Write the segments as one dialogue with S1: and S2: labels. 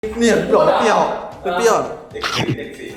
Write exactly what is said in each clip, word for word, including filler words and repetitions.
S1: เนี่ยเปรี้ยวเปรี้ยวเปรี้ยวเด็กสีเด็กสี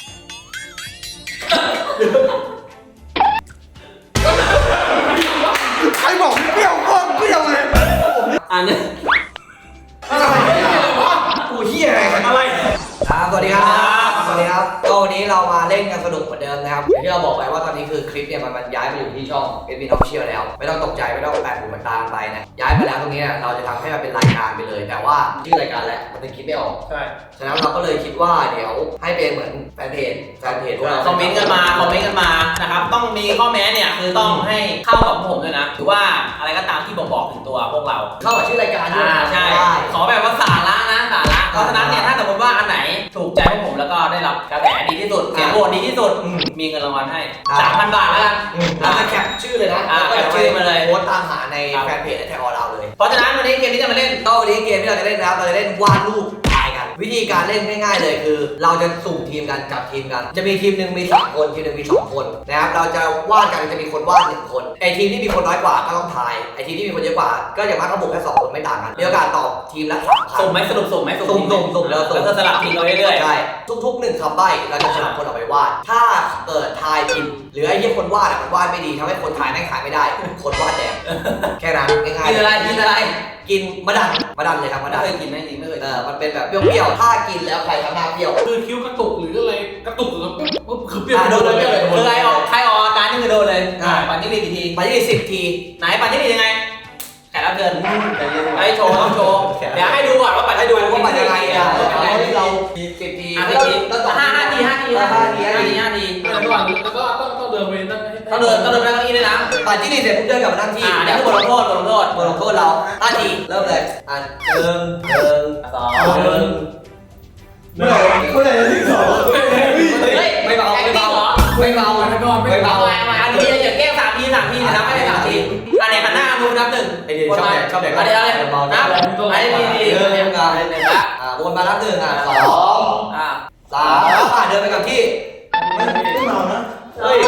S1: ใครบอกเปรี้ยวโคตรเปรี้ยวเลย
S2: อันนี้
S1: อะไรกูเฮียอะไรอะไรครับสวัสดีครับสวัสดีครับก็วันนี้เรามาเล่นกันสนุกเหมือนเดิมนะครับอย่างที่เราบอกไปว่าตอนนี้คือคลิปเนี่ยมันมันย้ายไปอยู่ที่ช่อง เอส บี Official แล้วไม่ต้องตกใจไม่ต้องแปลกหูมันตามไปนะย้ายไปแล้วตรงนี้เราจะทำให้มันเป็นรายการไปเลยแต่ว่าชื่อรายการแหละมันจะคิดไม่ออกใช่ฉะนั้นเราก็เลยคิดว่าเดี๋ยวให้เป็นเหมือนแฟนเพจแฟนเพจพวกเรา
S2: คอมเมนต์กันมาคอมเมนต์กันมานะครับต้องมีข้อแม้เนี่ยคือต้องให้เข้ากับผมด้วยนะหรือว่าอะไรก็ตามที่บอกบอกถึงตัวพวกเรา
S1: เข้ากับชื่อรายการด้วย
S2: ใช่ขอแบบว่าสาระนะสาระเพราะฉะนั้นเนี่ยถ้าสมมติว่าอันไหนถูกใจพวกผมแล้วก็ได้รับกระแสดีที่สุดเสียงโหวตดีที่สุดมีเงินรางวัลให้ สามพัน บาทแล้วกัน
S1: เราจะแคปชื่อเลยนะ
S2: แล้วก็แคปชื่อมาเลย
S1: โพสต์ตามหาในแฟนเพจแท็กออเราเลย
S2: เพราะฉะนั้นวันนี้เกมที่จะมาเล่น
S1: ก็วันนี้เกมที่เราจะเล่นนะครับเราจะเล่นวาดรูปทายกันวิธีการเล่นง่ายๆเลยคือเราจะสุ่มทีมกันจับทีมกันจะมีทีมหนึ่งมีสามคนทีมหนึ่งมีสองคนนะครับเราจะวาดกันจะมีคนวาดหนึ่งคนไอทีมที่มีคนน้อยกว่าก็ต้องทายไอทีมที่มีคนเยอะกว่าก็อย่างมากก็บุกแค่สองคนไม่ต่างกันมีโอกาสตอบทีมละสามคำ
S2: สุ่มไหมสรุปสุ่มไหม
S1: สุ่มสุ่มสุ่มแล้ว
S2: แล้วก็สลับทีมเราเรื่อยๆ
S1: ใช่ทุกๆหนึ่งคำใบ้เราจะสลับคนออกไปวาดถ้าเกิดทายผิดหรือไอ้ที่คนวาดมันวาดไม่ดีทำให้คนทายแม่งขายไม่ได้คนวาดแดงแค่นั้นง่ายๆ
S2: กินอะไรกินอะไร
S1: กินมะดันมะดันเลยครับมะดัน
S2: ไม่เคยกินไหมจริงไม่เคย
S1: เออมันเป็นแบบเปรี้ยวๆถ้ากินแล้วใครทำหน้าเปรี้ยว
S3: คือคิ้วกระตุกหรืออะไรกระตุกหรือปุ๊บคือเปรี้ยว
S1: โดนเลย
S2: คือใครออกใครออกอาการนี่คือโดนเลยปั่นที่มีกี่ที
S1: ปั่นที่มีสิบที
S2: ไหนปั่นที่มียังไงแขกรับเชิญไอ้โชว์ต้องโชว์เดี๋ยวให้ดูก่อนว่าปั่นให้ดู
S1: ว่าปั่นยังไงอ่ะเราสิบที
S2: แล้วห้าห้าทีห้าทีห้าทีห้าทีห้าที
S3: แล้วก็แล้วก็ต้องต้องเดินไปนั่ง
S2: ต้องเดินต้องเดินไปนั่งที่ด้วยนะ
S1: ปั่นที่นี่เสร็จปุ๊บเดินกลับมานั่งที่
S2: เดี๋ยวบทลงโทษบทลงโทษ
S1: บทลงโทษเราห้าทีเริ่มเลยอ่ะหนึ่งหนึ่งสองหนึ่งเมื่อไหร่เมื่อไหร่จะถึงสองเฮ้ยไม่เบาไม่เบาไม่เบาไม่เบาไม่เบา
S2: อันนี้อย่าแก้สามทีสามทีนะไม่ได้สามทีอันไหนหันหน้าดูนับหนึ่ง
S1: ไอเดียชอบแดกชอบแดก
S2: อันนี้อะไรนับไอ้ดีดี
S1: เดินเรียงกันหนึ่งละอ่าวนมานับหนึ่งอ่ะสองอ่าสามอ่าเดินไปกับที่ไม่ไม่เมานะเฮ้ย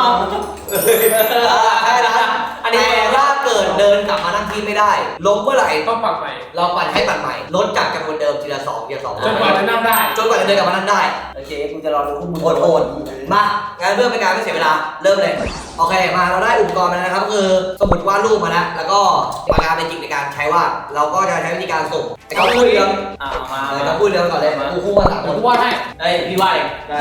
S1: แค่นั้นอันนี้ถ้าเกิดเดินกลับมานั่งที่ไม่ได้ล้มเมื่อไหร่
S3: ต้องปั่นใหม่
S1: เราปั่นให้ปั่นใหม่ลดจากจำนวนเดิมทีละสองทีละสอง
S3: จนกว่าจะนั่งได้
S1: จนกว่าจะเดินกลับมานั่งได้
S2: โอเคกูจะรอดูคู่มือ
S1: โอดๆมางั้นเพื่อเป็นการไม่เสียเวลาเริ่มเลยโอเคมาเราได้อุปกรณ์มาแล้วนะครับคือสมุดวาดรูปมาแล้วแล้วก็ปากกาเป็นจิกในการใช้วาดเราก็จะใช้วิธีการส่งไอ้เขาพูดเรื่อง
S2: อ่ามา
S1: เขาพูดเรื่องก่อนเลยกูคู่มาสามคน
S3: กูวาดให้
S2: เฮ้ยพี่วาดเอง
S1: ได้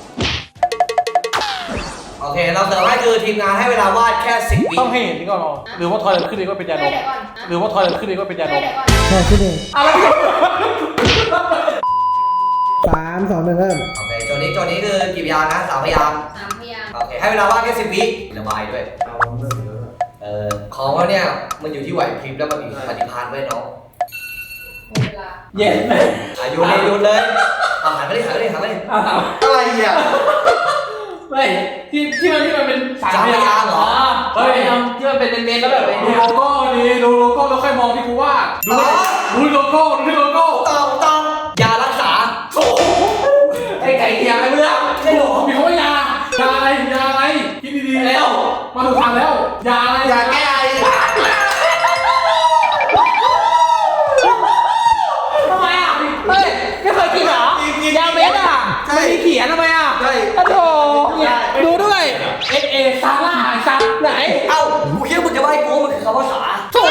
S1: โอเคเราเสริมให้คือทีมงานให้เวลาวาดแค่สิบวิ
S3: ต้องให้เห็นนี่ก่อนหรือว่าทอยขึ้นเองก็เป็นยาดมหรือว่าทอยขึ้นเองก็เป็นยาดม
S4: ใช่ขึ้นเอง
S1: อะไร
S4: สามสองหนึ่งเริ่ม
S1: โอเคโจนี้โจนี้คือกี่พยางค์นะสามพยางค์
S5: สามพยางค์
S1: โอเคให้เวลาวาดแค่สิบวิระบายด้วยเออของเราเนี่ยมันอยู่ที่ไหวพริบแล้วมันมีปฏิภาณไว้น้อง
S5: หมดเวลา
S2: เย็นไหม
S1: อายุเลยยุดเลยเอาหันไปดิหันไปดิหันไปดิอะไรอ่ะ
S3: ไม่ที่ที่มันที่มันเป็น
S1: สามพยางค์เหรอ
S2: เฮ้ยที่มันเป็นเมนๆแล้วแบบ
S3: ดูโลโก้ดีดูโลโก้แล้วค่อยมองที่กูวาดดูดูโลโก้ดูที่โลโก้
S1: ตองตองยารักษา
S3: โอ้โห
S2: ไอ้ไก่เทียมอะไรเพื่อน
S3: ใช่หรอมีคำว่ายายาอะไรยาอะไรคิดดีๆแล้วมาถูกทางแล้วยาอะไร
S1: ยาแก้ไอ
S2: ทำไมอ่ะเฮ้ยไม่เคยกินเหรอยาเม็ดอ่ะไม่มีเขียนทำไมอ่ะ
S1: ใช่
S2: โอ้โหดูด้วย
S3: เอเอซาร่าซับ
S2: ไหน
S1: เอ้ากูคิดว่ามึงจะใบ้กูมันคือคำว่าสา
S2: โถ่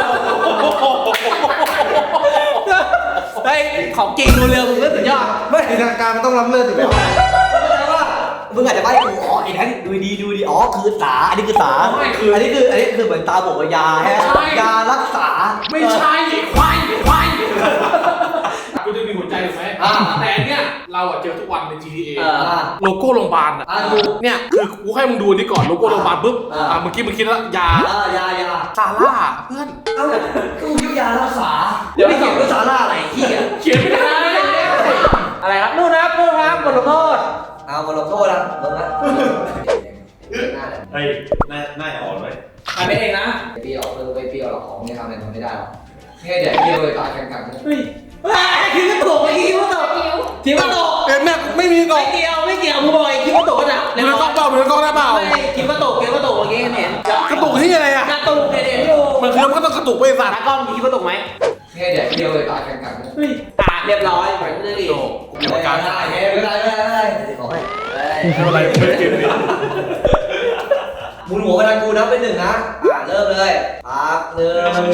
S2: เฮ้ยของจริงดูเร็วมึงเลือดสุดยอด
S1: ไม่ในทางการมันต้องล้ำเลิศอยู่แล้วมึงอาจจะใบ้กูอ๋อไอ้นั้นดูดีดูดีอ๋อคือสาอันนี้คือสาอันนี้คืออันนี้คือเหมือนตาบอกว่ายาฮะยารักษา
S3: ไม่ใช่ควายควายกูจะมีหัวใจถูกไหมแต่เนี้ยเราอะเจอทุกวันใน จี ที เอ โลโก้โรงพยาบาลอะเนี่ยคือกูให้มึงดูนี่ก่อนโลโก้โรงพยาบาลปุ๊บอ่าเมื่อกี้มึงคิดแล้วยาย
S1: ายา
S3: ซาร่าเพื่อน
S1: เอ้ากูยุยารักษาเดี๋ยวไม่เขียนว่าซาร่าอะไรที่
S3: เขียนไม่ได้
S2: อะไรครับนู่นนะครับนู่นครับบทลงโทษ
S1: เอาบทลงโทษแล้วมึงนะ
S3: เฮ้ยหน้าหน้าอ่อนไว้
S2: ทำไม่เองนะ
S1: เปรี้ยวเออไปเปรี้ยวหรอกของไม่ทำอะไรทำไม่ได้หรอกแค่เดี๋ยวเปรี้ยวเลยตายกันกัน
S2: เฮ้ยคิดว่าตกไม่คิดว่าตกคิดว่าตก
S3: เอ็มแม่ไม่มีตก
S2: ไม่เกี่ยวไม่เกี่ยวมึงบอกไอ้คิดว่าตกนะ
S3: มึงกล้องเปล่ามึงกล้องได้เปล่า
S2: ไม่คิดว่าตกคิดว่าตกเมื่อกี้เห็น
S3: กระตุกที่อะไรอ่ะ
S2: กระตุกเห็นอยู่
S3: มันคือมันก็ต้องกระตุกไปสัตว์
S2: กล้องคิดว่าตกไหม
S1: แค่เดี๋ยวเปรี้ยวเลยตายกันกัน
S2: อ่ะเรียบร้อยไปเรื่องอีก
S3: โอ้กรรมการ
S1: ได้ไม่ได้ไม่ได้ไม่ได้ขอให้
S3: ไม่เป็นไรไม่ได้เกมนี้
S1: หมุนหัวไปทางกูนับเป็นหนึ่งนะอ่ะเริ่มเลยครับหนึ่ง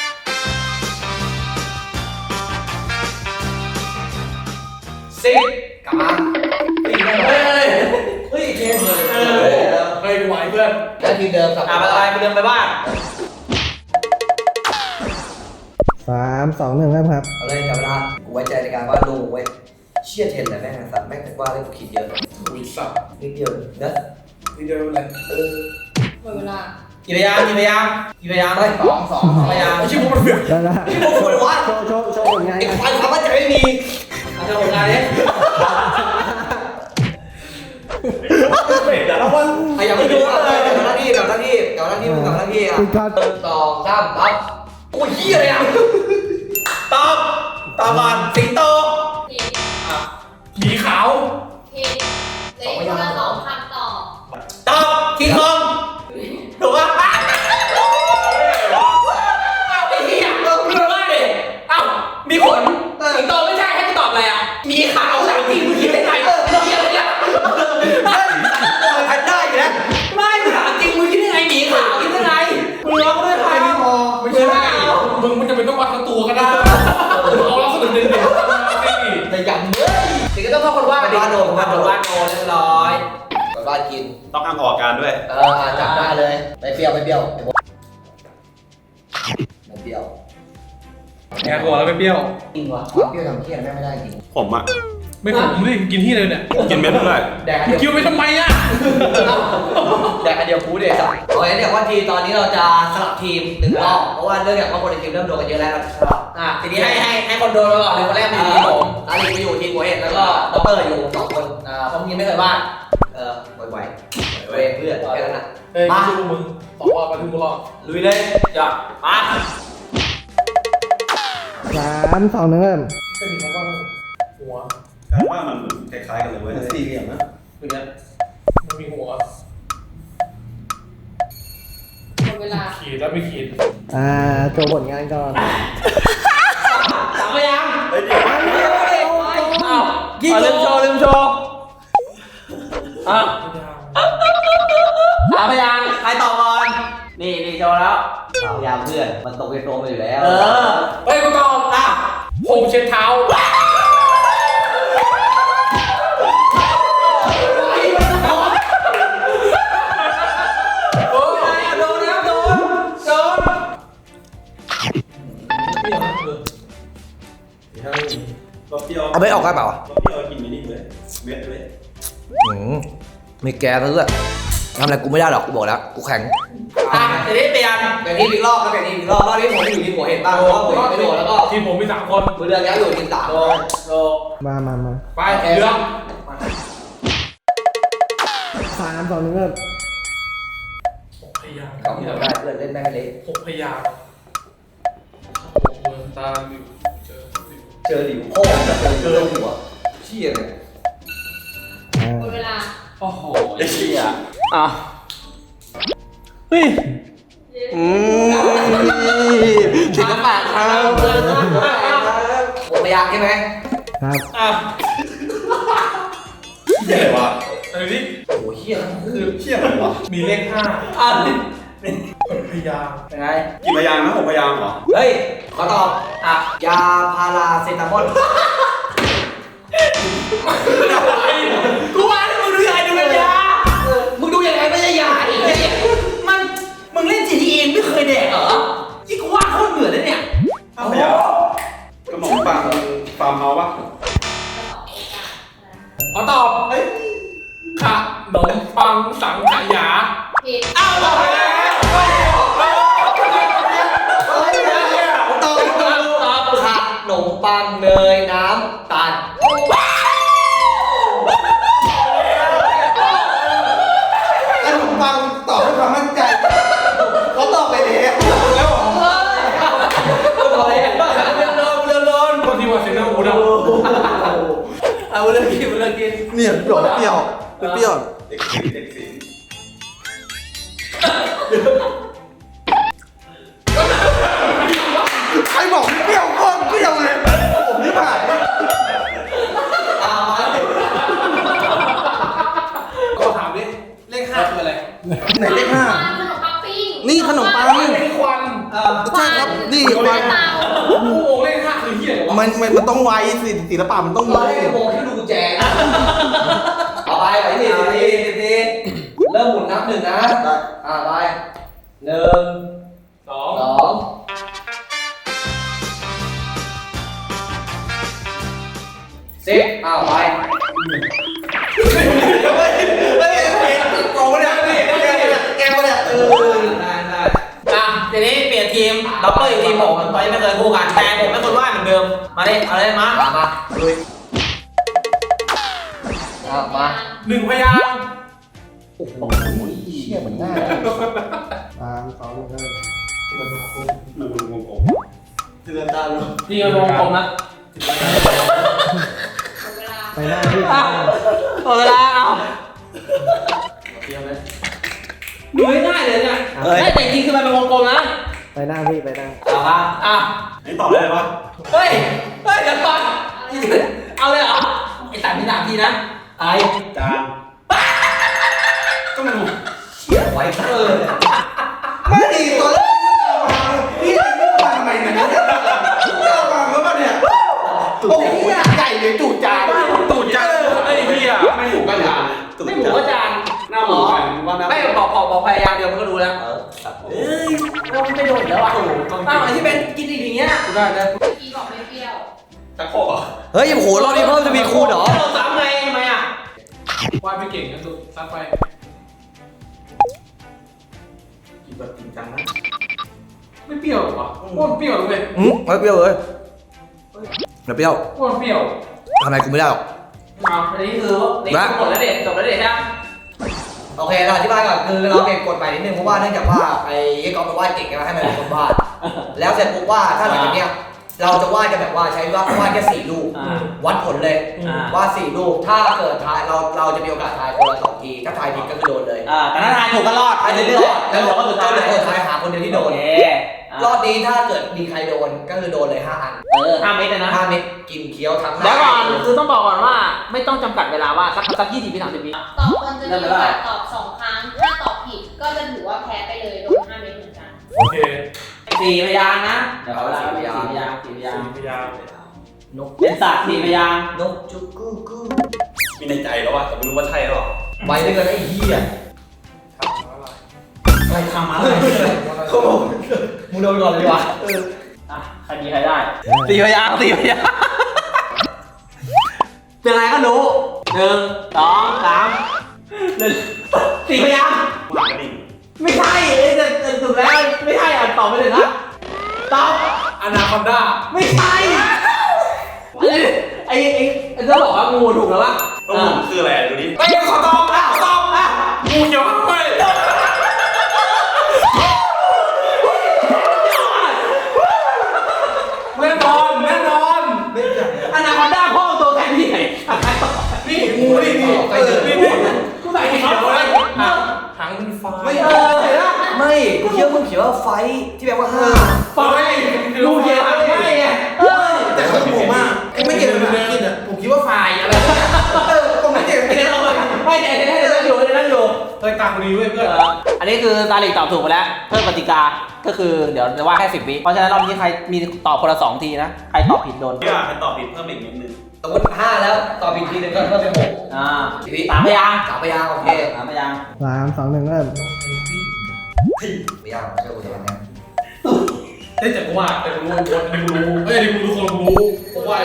S1: สิบกลับมาสี่ได้ไหมเฮ้ยเฮ้ยเกมเลย
S3: เออเฮ้ยไหวเพื่อน
S1: แล้วทีมเดิมสับ
S2: อ่ะไปอะไรไปเดินไปบ้าน
S4: สามสองหนึ่งเริ่มครับ
S1: เอาเลยจับเวลากูไว้ใจในการวาดรูปเว้ยเชี่ยเทนเลยแม่งสัตว์แม่งวาดเล่นกูคิดเยอะ
S3: อุ้ยสับ
S1: นิดเดียวนะ
S3: นี่เดียวเลย
S1: เออ
S5: หมดเวลา
S2: กี่พยางกี่พยางกี่พยาง
S1: ไม่สองสองสอง
S2: พยาง
S3: ไม่ใช่พวกมันเปลี่ยน
S4: ได้ละ
S1: ที่พวกคุณวาด
S4: โชว์โชว์โชว์ผลงาน
S1: ไอ้
S4: กัน
S1: ควายความมั่นใจไม่มี
S2: เอาเจ้าผลงานนี้
S1: ไอ้ยังไม่ดูเลยกับหน้าที่กับหน้าที่กับหน้าที่มึงกับหน้าที่อ่ะ
S4: ปิดก่อน
S1: หนึ่งสองสามครับโอ้ยเหี้ยอะไรอ่ะ
S2: ตอบตอบก่อนสิงโต
S5: ผิด
S2: อ่ะ
S3: หมีขาว
S5: ผิดเหลยคนละสองคำตอบ
S2: ตอบคิงคองถูกป่ะไอ้เหี้ยเออมึงว่าดิเอ้ามีขนสิงโตไม่ใช่ให้กูตอบอะไรอ่ะมีขาวสามทีมึงคิดได้ไงเออเหี้ยอะไรเนี่ย
S1: แพนด้าอยู่แล้ว
S2: ไม่ถามจริงมึงคิดได้ไงหมีขาวคิดได้ไงมึงร้องด้วยใคร
S1: ไม่พอ
S3: ไม่ใช่มึงมันจะเป็นต้องวัดทั้งตัวก็ได้เอาลักษณะเด่นๆสิ
S1: แต่ยังเฮ้ย
S2: ถึงก็ต้องเข้าคนว่าดิคนว่าโดนว่าโดนเรียบร้อย
S1: ไปบ้านกิน
S6: ต้องห้ามออกอาการด้วย
S1: เอออ่ะจับได้เลยไปเปรี้ยวไปเปรี้ยวไอ้พวกไม่เปรี้ยว
S3: แอบบอกแล้วไม่เปรี้ยว
S1: จริงวะความเปรี้ยวทำเพี้ยนแม่งไม่ได้จริง
S6: ผมอะ
S3: ไม่ขมดิกินที่เลยเนี่ย
S6: กินเม็ดด้วย
S1: แดกอัน
S3: มึง
S1: เดียว
S3: คิวไปทำไมอ่ะ
S1: แดกอันเดียวกูเดี๋ยวสับโอเคเนี่ยว่าทีตอนนี้เราจะสลับทีมหนึ่งรอบเพราะว่าเรื่องจากว่าคนในทีมเริ่มโดนกันเยอะแล้วเราจะสลับ
S2: อ่ะทีนี้ให้ให้ให้คนโดนไปก่อนเลยคนแรกเป็นทีมผม
S1: อาลีไปอยู่ทีมหัวเห็ดแล้วก็ด็อกเตอร์อยู่สองคน
S2: อ่าผมยังไม่เคยบ้าน
S1: เออไหวๆเว้ยเพื่อนแค่นั้นนะ
S3: เฮ้ยไม่ใช่พวกมึงตอบว่าไปถึงกูรอด
S2: ลุยเลยจ้ะมา
S4: สามสองหนึ่งเริ่ม
S3: จะมีคำว่าหัว
S6: การว่ามันคล้ายๆกันเลยเว้ยสี่เหลี่ยมนะ
S3: เป็นไงมันมีหัว
S5: หมดเวลา
S3: ขีดแล้วไม่ขีด
S4: อ่าโชว์ผลงานก่อน
S2: สามพยาง
S6: เฮ้ยเดี๋ยว
S2: อ้าวลืมโชว์ลืมโชว์อ่ะสามพยางใครตอบก่อนนี่นี่โชว์แล้ว
S1: สาวยามเพื่อนมันตกในโตมาอยู่แล้ว
S2: เออ
S3: เฮ้ยกูตอบอ่ะผมเช็ดเท้า
S2: โดนโดนนะโดนโดน
S6: รสเปรี้ยว
S1: เอาไม่ออกได้เปล่าร
S6: สเปรี้ยวกินไม่ได้เลยเม็ดเลย
S1: อืมไม่แกซะด้วยทำอะไรกูไม่ได้หรอกกูบอกแล้วกูแข็ง
S2: อ่ะทีนี้เปลี่ยน
S1: เดี๋ยวนี้อีกรอบแล้วเดี๋ยวนี้อีกรอบรอบนี้ผมอยู่ทีมหัวเห็ดบ้างเพราะว่าผมไม่โดนแล้วก็
S3: ทีมผมมีสามคน
S1: มือเดือนแล้วอยู่ทีมสาม
S2: โดนโดน
S4: มามามา
S3: ไปเรื่อง
S4: สามสองหนึ่งเริ่ม
S3: หกพยาง
S1: เขาไม่ได้เพื่อนเล่นแม่งเละ
S3: หกพยางหกเมืองตาลิวเจอลิว
S1: เจอหลิวโค้งเจอเจอหัวเชี่ยเลย
S4: อ่า
S5: หมดเวลา
S3: โอ้โห
S6: ไอ้เหี้ย
S2: อ่ะเฮ้ย
S6: อืมถึงกระปากครับ
S1: ผมพยายามใช่ไหม
S4: ครับ
S2: อ่ะ
S6: เหี้ยอะไรวะ
S3: อะไรนี่
S1: โอ้เฮียทั้งคู่
S3: คือ
S6: เหี้ยอะไรวะ
S3: มีเลขห้า
S2: อ่ะ
S3: หกพยาง
S2: เป็นไง
S6: กี่พยางค์นะหกพยางค์เหรอ
S1: เฮ้ยขอตอบ
S2: อ่ะ
S1: ยาพาราเซตามอล
S2: กูว่าที่มึงดูยังไงดูเป็นยามึงดูยังไงไม่ใช่ยาอีกเนี่ยมันมึงเล่น จี ที เอ ไม่เคยแดกเหรอที่กูว่าโคตรเหมือนเลยเนี่ย
S6: ห้าพยางค์ขนมปังฟาร์มเฮาส์ปะ
S3: ขอตอบเฮ้ยขนมปังสังขยา
S5: ผิด
S2: อ้าวบอกเลย
S1: ตอบตอบตอบขนมปังเนยน้ำตาล
S6: ขนมปังตอบด้วยความมั่นใจเขาตอบไปแล้วแล้วเหรอ
S1: ตอบเลย
S2: เรื่องโดนเรื่องโดน
S3: คนที่ว่าเซนเนอร์อูดอ่ะ
S2: เอาเรื่องกินเรื่องกิน
S6: เนี่ยเปรี้ยวเปรี้ยวเปรี้ยวเด็กสิงเด็กสิง ไอ้บอกเปรี้ยวโคตรเปรี้ยวเลยมันมันมันต้องไวศิลศิลปะมันต้อง
S1: ต
S6: มี
S1: อนแรกโมที่ดูกุญแจเอาไปไปสิสิสิสิเริ่มหมุนนับหนึ่งนะอ่าไปหนึ่ง
S3: สอง
S1: สองสิบอ้าวไป
S6: เฮ้ยเฮ้ยโกงเนี่ยนี่แกมาเนี่ยเออ
S1: ได้ได้
S2: อ่ะทีนี้เปลี่ยนทีมด็อกเตอร์อีกทีมผมตอนนี้ไม่เคยคู่กันแต่ผมไม่คนว่าเหมือนเดิมมาเลยเอาเลยมา
S1: มามาลุยอ่ะมา
S3: หนึ่งพยางค์
S1: โอ้โหเชี่ยเหมือนง่าย
S4: สามสองหนึ่งเริ่ม
S6: เตือนตาลูก
S2: ทีมวงกลมนะ
S5: หมดเวลา
S4: ไปหน้าพี่
S2: อ่ะหมดเวลาเอาดูง่ายๆเลยเนี่ยไม่แต่จริงคือมันเป็นวงกลมนะ
S4: ไปหน้าพี่ไปหน้า
S2: เอาละอ่ะ
S6: นี่ตอบได้ปะ
S2: เฮ้ยเฮ้ยเดี๋ยวก่อนเอาเลยเหรอไอ้สามทีสามทีนะไอ้
S6: จาน
S3: ก็มัน
S1: เชี่ยไว้เออ
S6: ไม่ดีตอนแรกพี่จะไม่มาทำไมเนี่ยจะมาเมื่อวันเนี่ยโอ้โหใหญ่เลยจู่จาน
S3: ตูดจังไอ้เหี้ยไม่ถูกกันอย่าง
S2: ไม่หมูก็จาน
S3: หน้าหมูกันว่าหน้า
S2: ไม่บอกบอกบอกพยายามเดียวมันก็รู้แล้ว
S1: เออตัดผม
S2: เอ้ยเราไม่โดนแล้วอ่ะอ้าวไอ้ที่เป็นกินอีกอย่างเงี้ย
S3: ได้ได้
S5: เมื่อกี้บอกไม่เปรี้ยว
S3: ตะโคก
S1: เฮ้ยโอ้โหรอบนี้เพิ่มจะมีคูณเหรอ
S2: เราสามไงทำไมอ่ะ
S3: วาดไม่เก่งกันสุดซัดไปกินแบบจริงจังนะไม่เปรี้ยวหรอวะโคตรเปรี้ยวเลย
S1: อืมไม่เปรี้ยวเลยไม่เปรี้ยว
S3: โคตรเปรี้ยว
S1: ทำไมกูไม่ได้หรอก
S2: เอาอันนี้คือนี่จบแล้วเด็ดจบแล้วเด็ดใช่ไหม
S1: โอเคเราอธิบายก่อนคือเราเปลี่ยนกฎใหม่นิดนึงเพราะว่าเนื่องจากว่าไอ้ยี่ก๊อฟมันวาดเก่งใช่ไหมให้มันเป็นคนวาดแล้วเสร็จปุ๊บว่าถ้าหลังจากเนี้ยเราจะวาดกันแบบว่าใช้วาดวาดแค่สี่ลูก
S2: อ่า
S1: วัดผลเลย
S2: อ่า
S1: วาดสี่ลูกถ้าเกิดทายเราเราจะมีโอกาสทายคนละสองทีถ้าทายผิดก็คือโดนเลย
S2: อ่าแต่ถ้าทายถูกก็รอด
S1: ทายเรื่อยๆ
S2: แล้
S1: แล้ว ว
S2: เหลือก็สุดท้าย
S1: เหลือคนทายหาคนเดียวที่โด
S2: โอน เค
S1: รอบนี้ถ้าเกิดมีใครโดนก็คือโดนเลยห้าอัน
S2: เออห้าเมตรเลยนะ
S1: ห้าเม็ดกินเคี้ยวทั้งห
S2: แล้ว
S1: น้า
S2: ก่อนคือต้องบอกก่อนว่าไม่ต้องจำกัดเวลาว่าสักสักยี่สิบวิสามสิบวิ
S5: ตอบมันจะมีโอกาสตอบสองครั้ง ถ้าตอบผิดก็จะถือว่าแพ้ไปเลยโดนห้าเม็ดเหมือนกัน
S3: โอเค
S2: สี่พยางค์นะเดี๋ยวเอาเวลาสี่พยางค์สี่พยางค์
S3: สี่พยางค์
S1: นก
S2: เป็นสัตว์สี่พยางค์
S1: นกจุกกูกู
S6: มีในใจแล้วอะแต่ไม่รู้ว่าใช่หรอ
S1: ไว้ด้วยกันไอ้เหี้ย
S2: อะไรทำอะไร
S1: เขาบอกมึงโดนก่อนเลยดีกว่า
S2: อ่ะใครดีใครได้สี่พยางค์สี่พยางค์เป็นไรก็รู้หนึ่งสองสามหนึ่งสี่พยางค์
S6: หมากระดิ่ง
S2: ไม่ใช่เอ้ยแต่แต่สุดแล้วไม่ใช่อ่ะตอบไปเลยนะตอบ
S3: อนาคอนด้า
S2: ไม่ใช่ไอ้ไอ้ไอ้ไอ้จะบอกว่างูถูกแล้วปะ
S6: ต้องหมุนคืออะไรดูดิ
S3: ไอ้ขอตอบอ่ะขอตอบอ่ะงูเขียวข้างไปแน่นอนแน่นอน
S2: อนาคอนด้าพ่อตัวแทนที่ไหน
S3: นี่งูนี่นี่
S1: ไปเถอะ
S3: นี่นี่กูใส่เขียวเลยหางหางเป็นฟ้า
S2: ไม่เออเห็นปะ
S1: ไม่กูเชื่อมึงเขียนว่าไฟที่แปลว่าห้า
S3: ไฟ
S2: งูเขียวไม่ไงเออ
S6: แต่คือผมอะไม่เก่งภาษาอังกฤษอะผมคิดว่าไฟอะไรเออผมไม่เก่ง
S2: ไอ้เดี๋ยวเราไม่เดี๋ยวเดี๋ยวเดี๋ยวนั่งอยู่เดี๋ยวนั่งอยู่
S3: เฮ้ยตามกูดีเว้ยเพื่อน
S2: อันนี้คือตาลิกตอบถูกไปแล้วเพิ่มกติกาก็คือเดี๋ยวจะว่าแค่สิบวิเพราะฉะนั้นรอบนี้ใครมีตอบคนละสองทีนะใครตอบผิดโดน
S6: พี่อ่ะให้ตอบผิดเพิ่มอีกนิดนึง
S1: สมมติห้าแล้วตอบอีกทีหนึงก็เพิ่มเป็นหก
S2: อ่าสามพยางค์
S1: สามพยางค์โอเค
S2: สามพยางค์
S4: สามสองหนึ่งเริ่ม
S1: พยางค์เชื่อกูจะวันนี้
S3: เฮ้ยแต่กูว่าแต่กูรู้คนแต่กูรู้เฮ้ยแต่กูรู้คนกูรู้กูว่า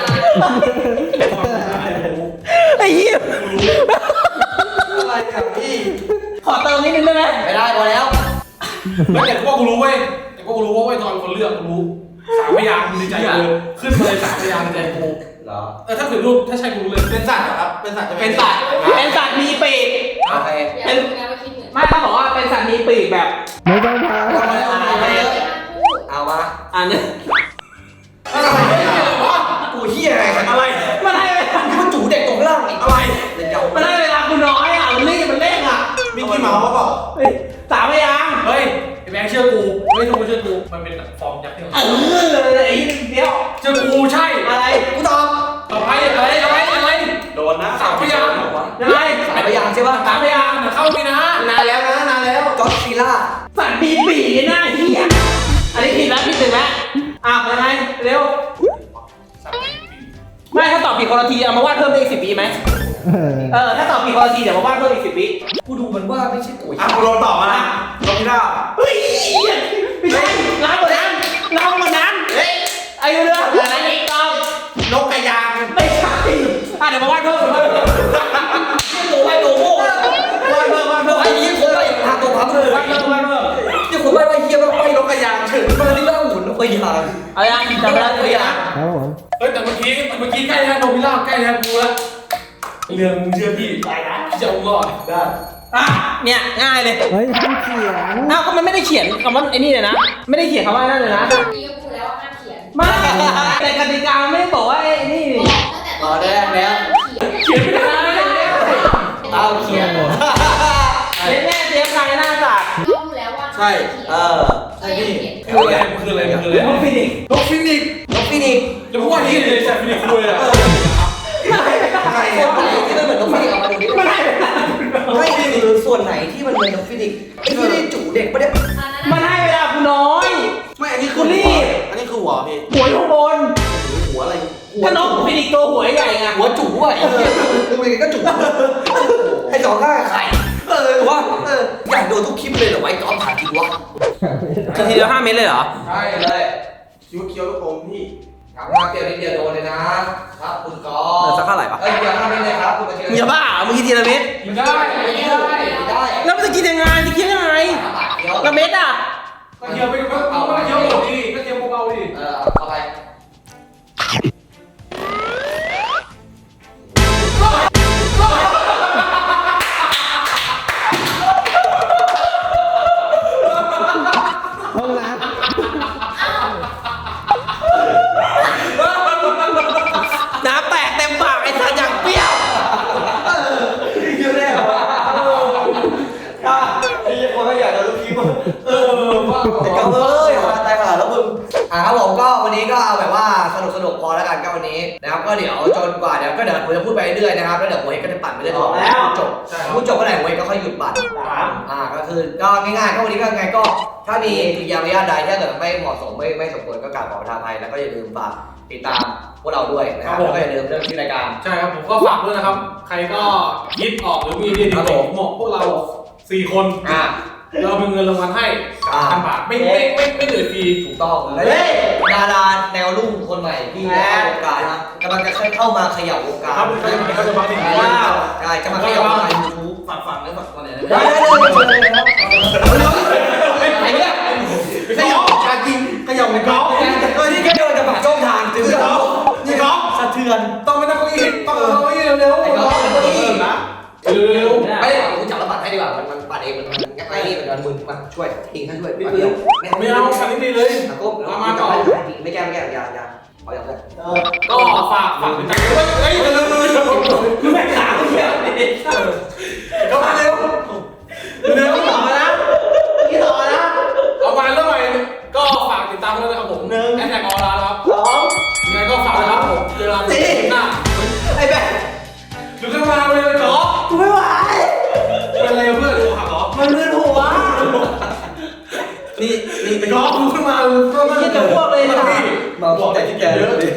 S2: ไอ้เหี้ย
S6: อะไรครับพี่
S2: ขอเติมนิดนึงได้ไหม
S1: ไม่ได้พอแล้ว
S3: ไม่แต่กูว่ากูรู้เว้ยแต่กูรู้ว่าเว้ยตอนคนเลือกกูรู้สามพยางค์ในใจกูขึ้นมาเลยสามพยางค์ในใจกู
S1: เหรอ
S3: เออถ้าเกิดรูปถ้าใช่กูรู้เลย
S6: เป็นสัตว์เหรอครับเป็นสัตว์จะ
S2: เป็นสัตว์เป็นสัตว์มีปีก
S1: โอเค
S5: อย่าลืมนะว่าคิดเหมือน
S2: ไม่ต้องบอกว่าเป็นสัตว์มีปีกแบบ
S4: ไม่ต้องพา
S1: เอามาแล้วเอามาแล้ว
S5: พูด
S1: เอามา
S2: อันนี้
S1: อะไรกูเหี้ยอะไรกัน
S3: อะไร
S2: มันให้เวลา
S1: มันจู่เด็กตรงล่างอีกอะไรเล่นเจ้า
S2: มันให้เวลากูน้อยอ่ะมันรีบมันเร่งอ่ะ
S6: มิกกี้เมาส์เขาบอก
S2: เฮ้ยสามพยางค์
S3: เฮ้ยไอ้แบงค์เชื่อกูไม่ต้องกูเชื่อกูมันเป็นฟอร์มยักษ์ที่
S2: เออไอ้เดียว
S3: เชื่อกูใช่
S2: อะไร
S1: กูตอบ
S3: ต่อไปอะไรอะไรอะไร
S6: โดนนะ
S3: สามพยางค์
S2: ยังไง
S1: สามพยางค์ใช่ป่ะ
S3: สามพยางค์เดี๋ยวเข้าไปนะ
S6: นานแล้วนะนานแล้ว
S1: ก็อดซิลล่า
S2: สัตว์มีปีกหน้าเหี้ยอันนี้ผิดแล้วผิดหนึ่งแล้วอ่ะยังไงเร็ว
S3: สามพยางค์
S2: อบผิดคนละทีเอามาวาดเพิ่มได้อีกสิบวิไหม
S4: เออ
S2: เออถ้าตอบผิดคนละทีเดี๋ยวมาวาดเพิ่มอีกสิบวิ
S1: กูดูมันว่าไม่ใช่ตัว
S6: อ่ะกูลองตอบมานะลองพี่ด้า
S2: เฮ้ยไม่ใช่น้ำกว่านั้นน้ำกว่านั้นเฮ้ยอายุเรื่องอะไรอีกต้อง
S6: นกกระยาง
S2: ไม่ใช่อ่ะเดี๋ยวมาวาดเพิ่มมา
S1: ตัวไอ้ตัวโง่
S2: วาดเพิ่มวาดเพิ่ม
S1: ไอ้ยี่คนไปทางตัวพับเลยว
S2: าดเพิ่มวาดเพิ่ม
S1: ยี่คนไปว่าเฮียว่าไปนกกระยางเฉยมันนี่ว่าหุ่นนกกระยาง
S2: เอายังจำไม่ได้ตัวอย่าง
S4: ครับผม
S3: เฮ้ยแต่เมื่อกี้เมื่อกี้ใกล้แล้วโนบิล่าใกล้แล้วกูแล้วเรื่องมึงเชื่อพี่ตายนะจะเอารอดได้
S2: อ่ะเนี่ยง่ายเลย
S4: เฮ้ยห้ามเขียน
S2: อ้าวก็มันไม่ได้เขียนคำว่าไอ้นี่เลยนะไม่ได้เขียนคำว่านั่นเลยนะ
S5: นี่ก็พูดแล้วว่าห้ามเขียน
S2: ไม่แต่กติกาไม่ได้บอกว่าไอ้นี่นี่
S5: บอกตั้งแต่ตอนแรกแล้วเขียน
S3: เขียนไม่ได้
S1: เอาเขียน
S2: เจ๊แม่เจ๊ใครหน้าสัตว์
S5: ก็พูดแล้วว่าห้ามเขียน
S1: เออ
S5: ใช่พี่
S3: คืออะไรมันคืออะไรมันคืออะไร
S2: นกฟินิกซ์
S3: นกฟินิกซ์
S1: นกฟินิกซ์
S3: จะพูดว่าที่เลยใช่ฟินิกซ์คุยอะ
S1: ส่วนไหนที่มันเหมือนนกฟินิกซ์เอามาดูดิ
S2: ไม่ได้
S1: ไม่คือส่วนไหนที่มันเหมือนนกฟินิกซ์ไอ้ที่ได้จู่เด็กปะเนี่ย
S2: มันให้เวลากูน้อย
S6: ไม่อันนี้คือ
S2: กูรีบ
S6: อันนี้คือหัวพี่
S2: หัวอยู่ข้างบน
S6: หัวอะไร
S1: หัว
S2: ก็นกฟินิกซ์ตัวหัวใหญ่ไง
S1: หัวจู่อ่ะไอ้เหี้ยดูยังไงก็จู่ไอ้สองข้างไข่เออว่าเอออยากโดนทุกคลิปเลยเหรอไอ้ก๊อฟถามจริงวะ
S2: นาทีเดียวห้าเมตรเลยเหรอ
S1: ใช่เลย
S6: คิ้วเคี้ยวลูกอมพี่
S1: กลับมาเดียวนิดเดียวโดนเลยนะครับคุณก๊อฟ
S2: เออสักเท่าไหร่ปะ
S1: เอ้ยเดียวห้าเมตรเลยครับคุณมาเชียร์
S2: มึงอย่าบ้ามึงกินทีละเม็ด
S3: กินได้
S1: ไม่ได้ไม่ได้
S2: แล้วมันจะกินยังไงจะกินยังไง
S1: สามบาทเดียว
S2: ละเม็ดอ่ะ
S3: ก็เคี้ยวไปก็เอาเคี้ยวหมดดิก็เคี้ยวเบาๆดิ
S1: เออเอาไป
S4: ห้องน้
S2: น้ำแตกเต็มปากไอ้สัตว์อย่างเปรี้ยว
S1: เยอะแน่ว่ะไอ้ยี่คนไม่อยากจะรู้คลิปอ่ะ
S3: เออว่า
S1: แต่ก็เอ้ยมาตายมาแล้วมึงอ่ะครับผมก็วันนี้ก็เอาแบบว่าสนุกสนุกพอแล้วกันก็วันนี้นะครับก็เดี๋ยวจนกว่าเดี๋ยวก็เดี๋ยวผมจะพูดไปเรื่อยๆนะครับแล้วเดี๋ยวโวยก็จะปั่นไปเรื่อยๆแล้วจบพูดจบเมื่อไหร่โวยก็ค่อยหยุดปั่นอ่าก็คือก็ง่ายๆก็วันนี้ก็ไงก็ถ้ามีกิริยามารยาทใดถ้าเกิดไม่เหมาะสมไม่ไม่สมควรก็กราบขอประทานอภัยแล้วก็อย่าลืมฝากติดตามพวกเราด้วยนะครับแล้วก็อย่าลืมเรื่องชื่อรายการ
S3: ใช่ครับผมก็ฝากด้วยนะครับ ใครก็คิดออกหรือมีไอเดีย
S1: ครับ
S3: ดี
S1: ผม
S3: ๆเหมาะพวกเราสี่คน
S1: อ่า
S3: เราเป็นเงินรางวัลให้
S1: อ่า
S3: พันบาทไม่ไม่ไม่ไม่เหนื่อยฟรี
S1: ถูกต้องและดาราแนวรุ่งคนใหม่ที่เข้าวงการนะกำลังจะเข้ามาเขย่าวงการ
S3: ครับเขาจะเขาจะมาถึง
S1: ว้า
S3: ว้าว
S1: ใช่จะมาเขย่าวงการยูทูบ
S6: ฝังฝังแล้วฝังตัวไหน
S1: ได้เลยเลยครับไอ้เนี่ย
S6: ขยับการจริงขยับในกอล์ฟ
S1: เออนี่แค่เดินจะผ่านช่องทางถึง
S6: นี่กอล์ฟนี่กอล์ฟ
S1: สะเทือน
S6: ต้องไปนั่งเก้าอี้ต้องนั่งเก้าอี้เร็วๆ
S1: ไอ้ก็ไอ้ก็นี่
S3: นะเร็ว
S1: ไม่ได้ผมจับแล้วปัดให้ดีกว่ามันมันปัดเองมันมันไอ้นี่มันมันมึนมาช่วยทิ้งให้ช่วยปัดเดียว
S3: ๆไม่เอาคันนี้ดีเลย
S1: ตะก้ม
S3: มามาต่อ
S1: ไม่แก้ไม่แก้อย่าอย่าเอาอย่างนั้น
S3: ก็ฝากฝากติดตามด้วยเฮ้ยเร็วๆเร็วๆ
S2: คือแม่ขาเดียวนี่
S3: เข้ามาเร็วเร็ว
S2: ต่อมานะนี่ต่อมานะ
S3: เอามาเรื่องใหม่ก็ฝากติดตามด้วยนะครับผมแอดแท็กออนไลน์นะครับ
S2: สอง
S3: ยังไงก็ฝากนะครับผมเวลาที่หน้า
S2: ไอ้แม่
S3: หรือจะมาเลยเหรอ
S2: กูไม่ไหว
S3: เป็นอะไรเพื่อนดูหักเหรอ
S2: มันมึนหัว
S1: นี่นี่
S3: ไอ้ก๊อฟมึงขึ้นมาก็มา
S2: เหี้ยจะอ้วกเลยนะ
S1: มาบอกแต่ที่แกเลย